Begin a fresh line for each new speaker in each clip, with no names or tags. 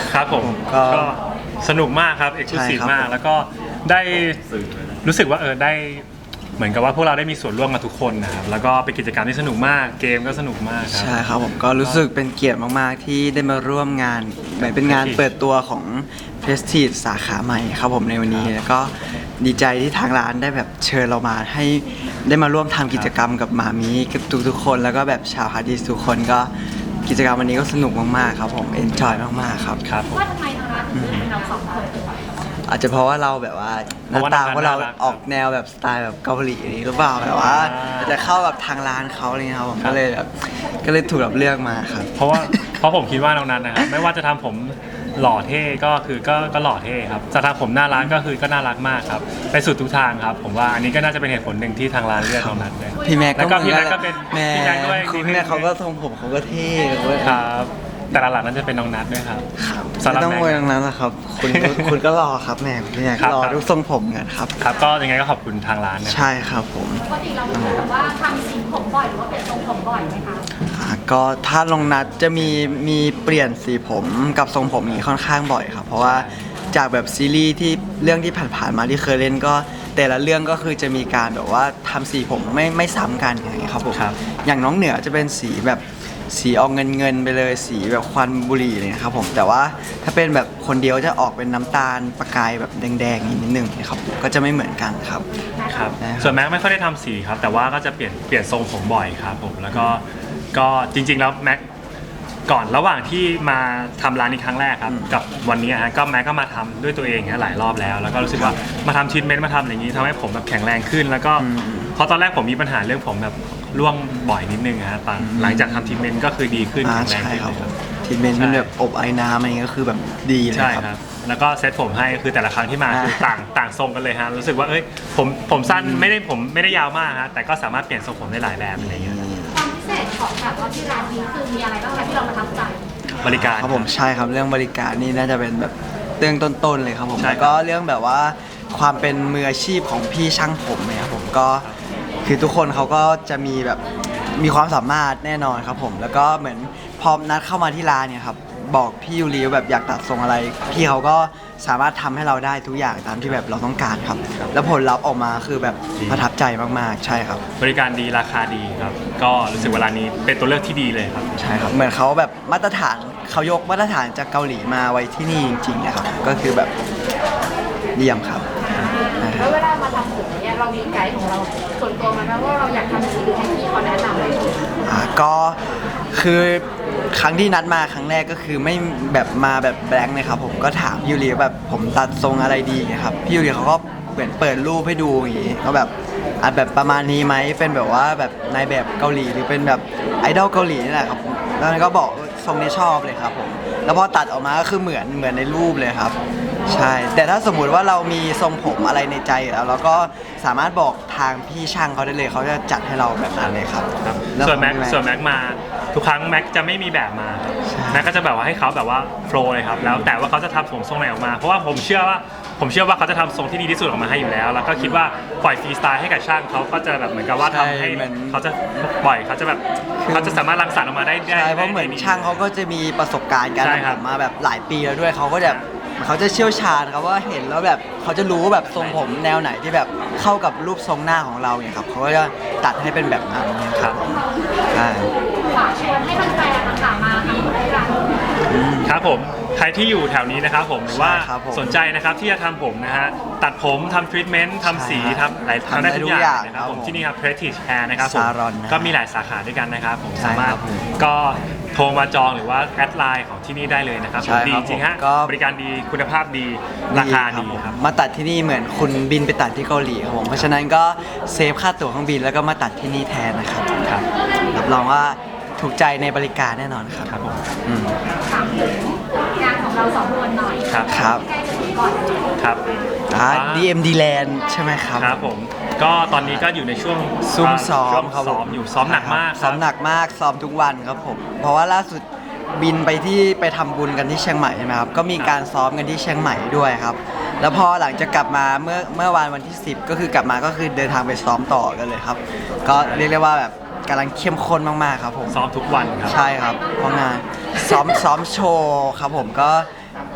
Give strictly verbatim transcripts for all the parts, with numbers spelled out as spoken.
ครับผมก็สนุกมากครับเอ็กซ์คลูซีฟมากแล้วก็ได้รู้สึกว่าเออได้เหมือนกับว่าพวกเราได้มีส่วนร่วมกับทุกคนนะครับแล้วก็เป็นกิจกรรมที่สนุกมากเกมก็สนุกมากครับ
ใช่ครับผมก็รู้สึกเป็นเกียรติมากๆที่ได้มาร่วมงานเหมือนเป็นงานเปิดตัวของ Prestige สาขาใหม่ครับผมในวันนี้แล้วก็ดีใจที่ทางร้านได้แบบเชิญเรามาให้ได้มาร่วมทำกิจกรรมกับหมามีกับทุกๆคนแล้วก็แบบชาวฮาร์ดดิสทุกคนก็กิจกรรมวันนี้ก็สนุกมากๆครับผมเอนจอยมากๆครับ
ครับ
ว่าทำไมทางร้านถึงเป็นเราสองคน
อาจจะเพราะว่าเราแบบว่าหน้าตาของเราออกแนวแบบสไตล์แบบเกาหลีหรือเปล่าแบบว่าจะเข้ากับทางร้านเขาอะไรเงี้ยครับผมก็เลยแบบก็เลยถูกรับเลือกมาครับ
เพราะว่าเพราะผมคิดว่าน้องนัทนะครับไม่ว่าจะทำผมหล่อเท่ก็คือก็ก็หล่อเท่ครับจะทำผมน่ารักก็คือก็น่ารักมากครับไปสุดทุกทางครับผมว่าอันนี้ก็น่าจะเป็นเหตุผลหนึ่งที่ทางร้านเลือกน้องนัทเลย
พี่แม็ก
แล้วก็พี่แม็กก็เป็นพี่แม็กด้วย
พี่แม็กเขาก็ทรงผมเขาก็เท่ด้วย
ครับแต่หลักๆนั้นจะเป็นน้องนัทด้วยครับ
ไม่ต้องโวยน้องนัทหรอกครับคุณคุณก็รอครับแม่พี่แม็กรอทุกทรงผมกันครับ
ครับก็ยังไงก็ขอบคุณทางร้านนะ
ใช่ครับผม
ปกติเราแบบว่าทำสีผมบ่อยหรือว่าเปลี่ยนทรงผมบ่อยไหมคะ
ก็ถ้าลงนัดจะมีมีเปลี่ยนสีผมกับทรงผมนี้ค่อนข้างบ่อยครับเพราะว่าจากแบบซีรีส์ที่เรื่องที่ผ่านๆมาที่เคยเล่นก็แต่ละเรื่องก็คือจะมีการแบบว่าทำสีผมไม่ไม่ซ้ำกันอย่างเงี้ยครับผมอย่างน้องเหนือจะเป็นสีแบบสีออกเงินเงินไปเลยสีแบบควันบุหรี่เลยครับผมแต่ว่าถ้าเป็นแบบคนเดียวจะออกเป็นน้ำตาลประกายแบบแดงๆนิดนึงนะครับก็จะไม่เหมือนกันครับ
ครับส่วนแม็กไม่ค่อยได้ทำสีครับแต่ว่าก็จะเปลี่ยนเปลี่ยนทรงผมบ่อยครับผมแล้วก็ก็จริงๆแล้วแม็กก่อนระหว่างที่มาทำร้านนี้ครั้งแรกครับกับวันนี้ฮะก็แม็กก็มาทำด้วยตัวเองฮะหลายรอบแล้วแล้วก็รู้สึกว่ามาทำทรีทเมนต์มาทำอย่างนี้ทำให้ผมแบบแข็งแรงขึ้นแล้วก็เพราะตอนแรกผมมีปัญหาเรื่องผมแบบร่วงบ่อยนิดนึงฮะตอนหลังจากทำทรีทเมนต์ก็คือดีขึ้นแข็งแรงขึ้นเลยครับ
ทรีทเมนต์มันแบบอบไอ้น้ำอะไรเงี้ยก็คือแบบดีเลยครับ
แล้วก็เซตผมให้คือแต่ละครั้งที่มาคือต่างต่างทรงกันเลยฮะรู้สึกว่าเอ้ยผมผมสั้นไม่ได้ผมไม่ได้ยาวมากฮะแต่ก็สามารถเปลี่ยนทรงผมได้หลายแบบอะไรเงี้ย
ความพิเศษของแบบว่าที่ร้านนี้คือมีอะไรบ้างคะที่เราประทับใจ
บริการ
ครับผมใช่ครับเรื่องบริการนี่น่าจะเป็นแบบเรื่องต้นๆเลยครับผมแล้วก็เรื่องแบบว่าความเป็นมืออาชีพของพี่ช่างผมเนี่ยครับผมก็คือทุกคนเขาก็จะมีแบบมีความสามารถแน่นอนครับผมแล้วก็เหมือนพอนัดเข้ามาที่ร้านเนี่ยครับบอกพี่ยูริแบบอยากตัดทรงอะไรพี่เขาก็สามารถทำให้เราได้ทุกอย่างตามที่แบบเราต้องการครับแล้วผลลัพธ์ออกมาคือแบบประทับใจมากๆใช่ครับ
บริการดีราคาดีครับก็รู้สึกว่าร้านนี้เป็นตัวเลือกที่ดีเลยครับ
ใช่ครับเหมือนเขาแบบมาตรฐานเขายกมาตรฐานจากเกาหลีมาไว้ที่นี่จริงๆนะครับก็คือแบบเยี่ยมครับ
แล้วเวลามาทำผมเนี่ยเรามีไกด์ของเราส่วนตัวมาไหมว่าเราอยากทำสีให้พี่เขาแนะนำอะไร
อ่าก็คือครั้งที่นัดมาครั้งแรกก็คือไม่แบบมาแบบแบงค์เลยครับผมก็ถามพี่ยูริแบบผมตัดทรงอะไรดีครับพี่ยูริเขาก็เหมือนเปิดรูปให้ดูอย่างนี้เขาแบบอ่ะแบบประมาณนี้ไหมเป็นแบบว่าแบบนายแบบเกาหลีหรือเป็นแบบไอดอลเกาหลีนี่แหละครับแล้วก็บอกทรงนี้ชอบเลยครับผมแล้วพอตัดออกมาก็คือเหมือนเหมือนในรูปเลยครับใช่แต่ถ้าสมมุติว่าเรามีทรงผมอะไรในใจแล้วเราก็สามารถบอกทางพี่ช่างเขาได้เลยเขาจะจัดให้เราแบบนั้นเลยครับ
ส่วนแม็กส่วนแม็กมาทุกครั้งแม็กจะไม่มีแบบมาแม็กก็จะแบบว่าให้เขาแบบว่าโฟล์เลยครับแล้วแต่ว่าเขาจะทำผมทรงไหนออกมาเพราะว่าผมเชื่อว่าผมเชื่อว่าเขาจะทำทรงที่ดีที่สุดออกมาให้อยู่แล้วแล้วก็คิดว่าปล่อยฟรีสไตล์ให้กับช่างเขาก็จะแบบเหมือนกับว่าทำให้เขาจะปล่อยเขาจะแบบเขาจะสามารถรังสรรค์ออกมาได้
ใช่เพราะเหมือนช่างเขาก็จะมีประสบการณ์การทำผมมาแบบหลายปีแล้วด้วยเขาก็แบบเขาจะเชี่ยวชาญครับว่าเห็นแล้วแบบเขาจะรู้แบบทรงผมแนวไหนที่แบบเข้ากับรูปทรงหน้าของเราเนี่ยครับเขาก็จะตัดให้เป็นแบบนั้นครับใช่
ฝากชวนให้แฟนๆต่างๆมาทำที่ร้าน
ครับผมใครที่อยู่แถวนี้นะครับผมหรือว่าสนใจนะครับที่จะทำผมนะฮะตัดผมทำทรีทเมนต์ทำสีทำหลายทำได้ทุกอย่างนะครับผมที่นี่ครับ Prestige Hair นะครับผมก็มีหลายสาขาด้วยกันนะครับผมสามารถก็โทรมาจองหรือว่าแอดไลน์ของที่นี่ได้เลยนะครับดีจริงฮะบริการดีคุณภาพดีราคาดีครับ
มาตัดที่นี่เหมือนคุณบินไปตัดที่เกาหลีครับผมเพราะฉะนั้นก็เซฟค่าตั๋วเครื่องบินแล้วก็มาตัดที่นี่แทนนะครับรับรองว่าถูกใจในบริการแน่นอนครับ
ครับผม
ถามถึงงานของเราสองคนหน่อย
ครับ
ครับ
ใกล้จะถึงก่อน
ครับอ่า ดี เอ็ม ดี Land ใช่ไหมครับ
ครับผมก็ตอนนี้ก็อยู่ในช่วง
ซุ่มซ้อมครับ
ซ้อมอยู่ซ้อมหนักมาก
ซ้อมหนักมากซ้อมทุกวันครับผมเพราะว่าล่าสุดบินไปที่ไปทำบุญกันที่เชียงใหม่ใช่ไหมครับก็มีการซ้อมกันที่เชียงใหม่ด้วยครับแล้วพอหลังจากกลับมาเมื่อเมื่อวันวันที่สิบก็คือกลับมาก็คือเดินทางไปซ้อมต่อกันเลยครับก็เรียกได้ว่าแบบกำลังเข้มข้นมากๆครับผม
ซ้อมทุกวันครับ
ใช่ครับเพราะงานซ้อมซ้อมโชว์ครับผมก็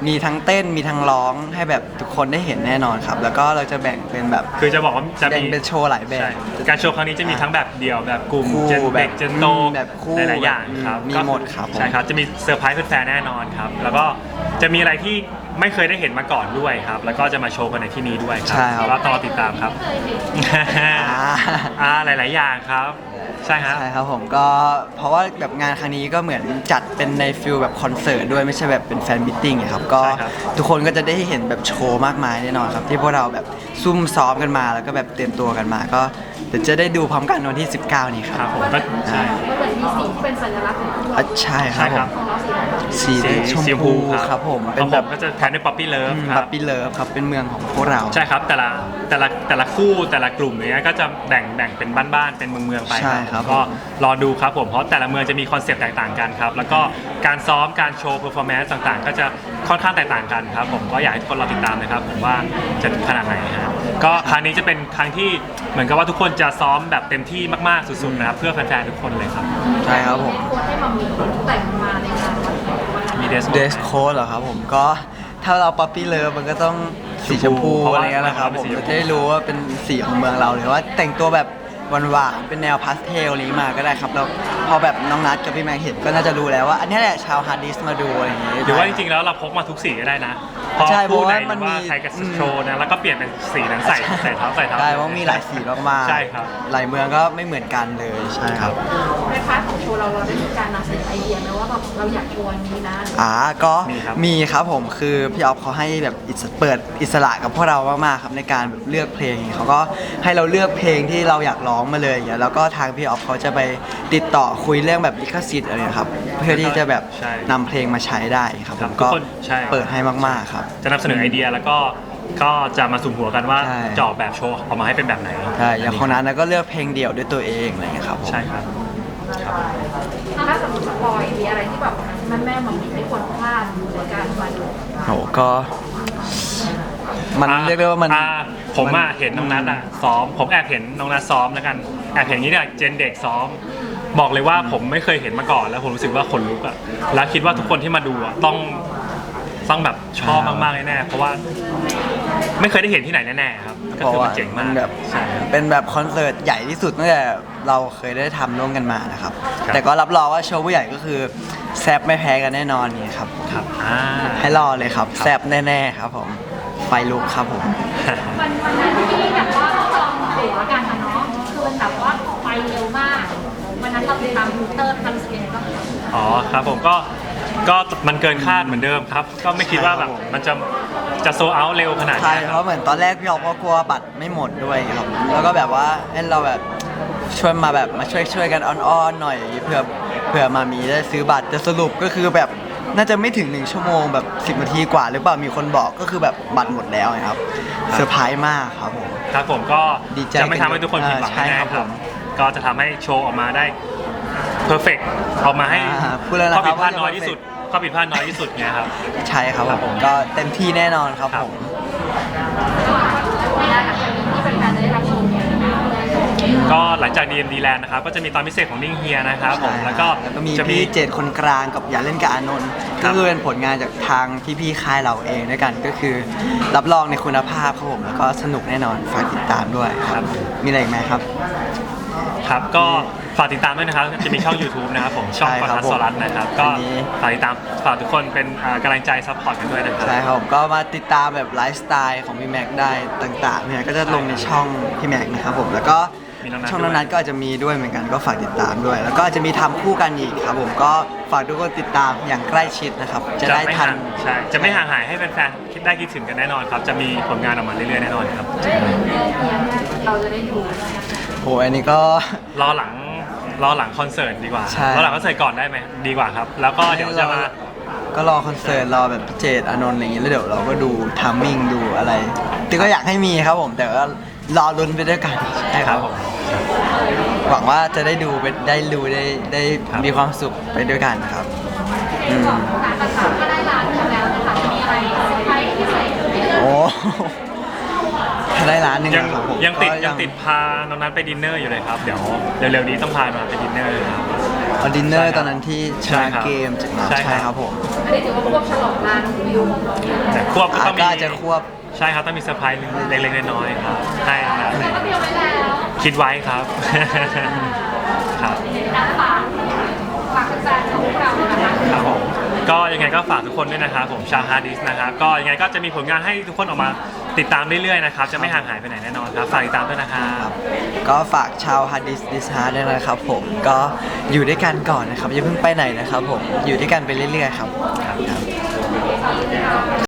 มีทั้งเต้นมีทั้งร้องให้แบบทุกคนได้เห็นแน่นอนครับ แล้วก็เราจะแบ่งเป็นแบบ
คือจะบอกว่าจะ
แบ่
มี
งเป็นโชว์หลายแบบ
ใช่การโชว์ครั้งนี้จะมีทั้งแบบเดี่ยวแบบกลุ่ม
คู่
เจน
แบบ
เด็กเจนโต
อืมแบบคู่
หลายๆอย่างครับ
มี
ก็
หมดครับผม
ใช่ครับจะมีเซอร์ไพรส์แฟนๆแน่นอนครับแล้วก็จะมีอะไรที่ไม่เคยได้เห็นมาก่อนด้วยครับแล้วก็จะมาโชว์กันในที่นี้ด้วยครั
ใช่ครับ
ก็ต่อติดตามครับ
เคยเห็น
อ่า
อ่าหลาย ๆ อย่างครับ ใช่ฮะ
ใช่ครับผมก็เพราะว่าแบบงานครั้งนี้ก็เหมือนจัดเป็นในฟิลแบบคอนเสิร์ตด้วยไม่ใช่แบบเป็นแฟนมิทติ้งอะครับก็
ใช่ครับ
ทุกคนก็จะได้เห็นแบบโชว์มากมายแน่นอนครับที่พวกเราแบบซุ่มซ้อมกันมาแล้วก็แบบเตรียมตัวกันมา ก็เดี๋ยวจะได้ดูพร้อมกันวันที่ สิบเก้า นี้ค
ค
รั
รั
บบ
ผมก็ใช่
มันเหมือนมีสีที่เป็นสัญลักษณ์ของคู่
อ่ะใช่ค
ใช่
รับ
ค
ผ
รับ
ม
ของเราสีอะไรครับ
สีชม
สี
พูครับผม
เป็
เป็น น
แบ
แบบ บ
ก็จะแทนด้วยป๊อปปี้เลิฟค
บั
รั
บบ ปี้เลิฟครับเป็นเมืองของพวกเรา
ใช่ครับแต่ละแต่ละแต่ละคู่แต่ละกลุ่มเนี้ยก็จะแบ่งแบ่งเป็นบ้านๆเป็นเมืองเมืองๆไป
ใช่ครับ
ก็รอดูครับผมเพราะแต่ละเมืองจะมีคอนเซปต์แตกต่างกันครับแล้วก็การซ้อมการโชว์เพอร์ฟอร์แมนซ์ต่างๆ ก็จะค่อนข้างแตกต่างกันครับผมก็อยากให้ทุกคนรอติดตามนะครับผมว่าจะขนาดไหนฮะก็ครั้งนี้จะเป็นครั้งที่เหมือนกับว่าทุกคนจะซ้อมแบบเต็มที่มากๆสุดๆนะครับเพื่อแฟนๆทุกคนเลยครับ
ใช่ครับผม
โค้ดให้มามีแต่งมาในงานวันนี้
มีเดส
เดสโค้ดเหรอครับผมก็ถ้าเราป๊อปปี้เลิฟมันก็ต้องสีชมพู
เพราะ
อะ
ว่า
ไรเงี้ยแหละครับ
เป็
ผ
น
ม
สีชมพู
จะได้รู้ว่าเป็นสีของเมืองเราหรือว่าแต่งตัวแบบหวานๆเป็นแนวพาสเทลนี้มาก็ได้ครับแล้วพอแบบน้องนัทกับพี่แม็กเห็นก็น่าจะรู้แล้วว่าอันนี้แหละชาวฮาร์ดดิสมาดูอะไรอย่างงี้
หรือว่าจริงๆแล้วเราพกมาทุกสีก็ได้นะพอ
ใช่เพ
คู่
ราะ
ไหน
ว่า
ห
มั
รื
น
อว่า
มี
ใครจะ
อืม
โชว์นะแล้วก็เปลี่ยนเป็นสีนั้นใส่ใส่เท้าใส่เท้า
ใช่เพราะมีหลายสีมากๆ
ใช่ครับ
หลายเมืองก็ไม่เหมือนกันเลยใช่ครับ
ในพาร์ทของโชว์เราเราได้มีการนำเสนอไอเดียไหมว่าแบบเราอยากโชว์อันนี้นะ
อ่าก็
มีครับ
มีครับผมคือพี่ออฟเขาให้แบบอิสเปิดอิสระกับพวกเรามากๆครับในการแบบเลือกเพลงเขาก็ให้เราเลือกเพลงที่เราอยากร้องมาเลยอย่างเงี้ยแล้วก็ทางพี่ออฟเขาจะไปติดต่อคุยเรื่องแบบลิขสิทธิ์อะไรนะครับเพื่อที่จะแบบ
ใช่
นำเพลงมาใช้ได้ครับ
ค
ผ
รับ
ม
ทุ
ก็
กคนใช่
เปิดให้มากๆครับ
จะนำเสนอไอเดียแล้วก็ก็จะมาสุ่มหัวกันว่า
ใช่
จะออกแบบโชว์ออกมาให้เป็นแบบไหน
ใช่อย่างคนนั้นก็เลือกเพลงเดี่ยวด้วยตัวเองอะไรอย่างเงี้ยครับผม
ใช่ครับครับ
ถ้าสมมติสปอยมีอะไรที่แบบแม่แม่ๆมามีไม่ควรพลาดในการมาดู
โหก็ มัน
อ่ะ
เรียกได้ว่ามัน
อ่ะผมอ่ะ
มัน
เห็นน้องนัทอ่ะซ้อมผมแอบเห็นน้องนัทซ้อมแล้วกันแอบเห็นอย่างนี้เนี่ยเจนเด็กซ้อม บอกเลยว่าผมไม่เคยเห็นมาก่อนแล้วผมรู้สึกว่าขนลุกอ่ะแล้วคิดว่าทุกคนที่มาดูอ่ะต้องต้องแบบชอบมากๆแน่ๆเพราะว่าไม่เคยได้เห็นที่ไหนแน่ๆครับก็
เพราะ
คือ
ว่า
มันเจ๋ง
มั
มาน ก
แบบ
ใช่ครับ
เป็นแบบคอนเสิร์ตใหญ่ที่สุดตั้งแต่เราเคยได้ทำร่วมกันมานะครับ
ครับ
แต่ก็รับรองว่าโชว์ผู้ใหญ่ก็คือแซบไม่แพ้กันแน่นอนนี่ครับ
ครับอ่า
ให้รอเลยครับแซบแน่ๆครับผมไฟลุกครับผม
วันวันนั้นที่แบบว่าต้องลองตั๋วกันอะเนาะคือมันแบบว่าไปเร็วมากวันนั้นเราติดตามทวิตเตอร์ทำสเกนก็
อ๋อครับผมก็ก็มันเกินคาดเหมือนเดิมครับ ก็ไม่คิดว่าแบบมันจะจะโซเอาเร็วขนาด
ใช่
นี้
เพ
ครับ
ราะเหมือนตอนแรกพี่ออฟก็กลัวบัตรไม่หมดด้วยครับแล้วก็แบบว่าให้เราแบบช่วยมาแบบมาช่วยช่วยกันอ้อนๆหน่อยเผื่อเผื่อมามีได้ซื้อบัตรแต่สรุปก็คือแบบน่าจะไม่ถึงหนึ่งชั่วโมงแบบสิบนาทีกว่าหรือเปล่ามีคนบอกก็คือแบบบัตรหมดแล้วไงครับเซอร์ไพรส์มากครับผม
ครับผมก็
ดีใจ
จะไม่ทำให้ทุกคนผิดหวัง
อ่าใช่
แน่
ครับ
ๆค
ผ
รับ
ม
ก็จะทำให้โชว์ออกมาได้เพอร์เฟกต์ออกมาให้
อ่าพูดแล้วนะ
ข้อผิดพลาด
ครับว่า
น้อยที่สุดข้อผิดพลาดน้อยที่สุดไงครับ
ใช่ครับ
ครับ
ผ
ผม ม
ก็เต็มที่แน่นอนครับ
ครับ
ผม
ในหลังจากนี้ที่แฟนๆจะได้รับชมเนี่ย
ก็หลังจาก ดี เอ็ม ดี Land นะครับก็จะมีตอนพิเศษของนิ่งเฮียนะครับผม
ใช่
แล้วก็
แล้วก็มี
จะมี
พี่เจดคนกลางกับอย่าเล่นกับอานนท์
ครั
ก็
บ
คือเป็นผลงานจากทางพี่ๆค่ายเราเองด้วยกันก็คือ รับรองในคุณภาพครับผมแล้วก็สนุกแน่นอนฝากติดตามด้วยครับมีอะไรอีกไหมครับ
ครับก็ฝากติดตามด้วยนะครับจะมีช่อง YouTube นะครับผมช่อง
ใช่
ป
ครับ
ทัสสรัตน์นะครับก็
อันนี้
ฝากติดตามฝากทุกคนเป็นอ่ากำลังใจซัพพอร์ตกันด้วยนะครับ
ใช่ครับผมก็มาติดตามแบบไลฟ์สไตล์ของพี่แม็กได้ต่างๆเนี่ยก็จะลงในช่องพี่แม็กนะครับผมแล้วก็
มีน้องนัท
ช่องนั้นๆก็อาจจะมีด้วยเหมือนกันก็ฝากติดตามด้วย แล้วก็อาจจะมีทำคู่กันอีกครับผมก็ฝากทุกคนติดตามอย่างใกล้ชิดนะครับจะได้
ไม่
ทัน
ห่างใช่จะไม่ห่างหายให้แฟนๆคิดได้คิดถึงกันแน่นอนครับ จะมีผลงานออกมาเรื่อยๆแน่นอนครับ
เรื่องเรื่องเนี้ยเราจะได้ดู
โหอันนี้ก็
รอหลังรอหลังคอนเสิร์ตดีกว่า
ใช่
รอหลังคอนเสิร์ตก่อนได้ไหมดีกว่าครับ แล้วก็เดี๋ยวจะมา
ก็รอคอนเสิร์ตรอแบบพี่เจตอานนท์อะไรอย่างงี้แล้วเดี๋ยวเราก็ดูทัมมิ่งดูอะไรแต่ก็อยากให้มีครับผม แต่ว่ารอลุ้นไปด้วยกันใช่
ค
ค
รั
รั
บบ ผม
หวังว่าจะได้ดูไปได้ดูได้ได้
ครับ
มีความสุขไปด้วยกันครับอืม
การประสานก็ได้ร้านหนึ่งแล้วนะคะจะมีอะไรเซอร์ไพรส์พิเศษให้ดู
โอ้ แถถ้าได้ล้านหนึ่ง
ยัง
ครับผม
ยังติด
ก็
ยังติดพาน้องนัทไปดินเนอร์อยู่เลยครับเดี๋ยวเร็วๆนี้ต้องพามาไปดินเนอร์ครับ
เอาดินเนอร์ตอนนั้นที่ช
ใช่
นะครับ เกมจากนั้น
ใช่ครับ
ใช่ครับผม
อันนี้ถือว่าควบฉลองร้านวิว
แต่ควบก็
อา
ต้องมี
ก็อาจจะควบ
ใช่ครับต้องมีเซอร์ไพรส์เล็กๆน้อยๆครับใช่ครับ
แต่ก็เตรียมไว้แล้ว
คิดไว้ครับ ครับ
นัดฝากฝากแฟนๆของพวกเรานะคะ
ครับผมก็ยังไงก็ฝากทุกคนด้วยนะครับผมชาวฮาร์ดดิสนะครับก็ยังไงก็จะมีผลงานให้ทุกคนออกมาติดตามเรื่อยๆนะครับจะไม่ห่างหายไปไหนแน่นอนครับฝากติดตามด้วยนะครับ
ก็ฝากชาวฮาร์ดดิสดิสฮาร์ดด้วยนะครับผมก็อยู่ด้วยกันก่อนนะครับอย่าเพิ่งไปไหนนะครับผมอยู่ด้วยกันไปเรื่อยๆครับ
ครับ
ครับ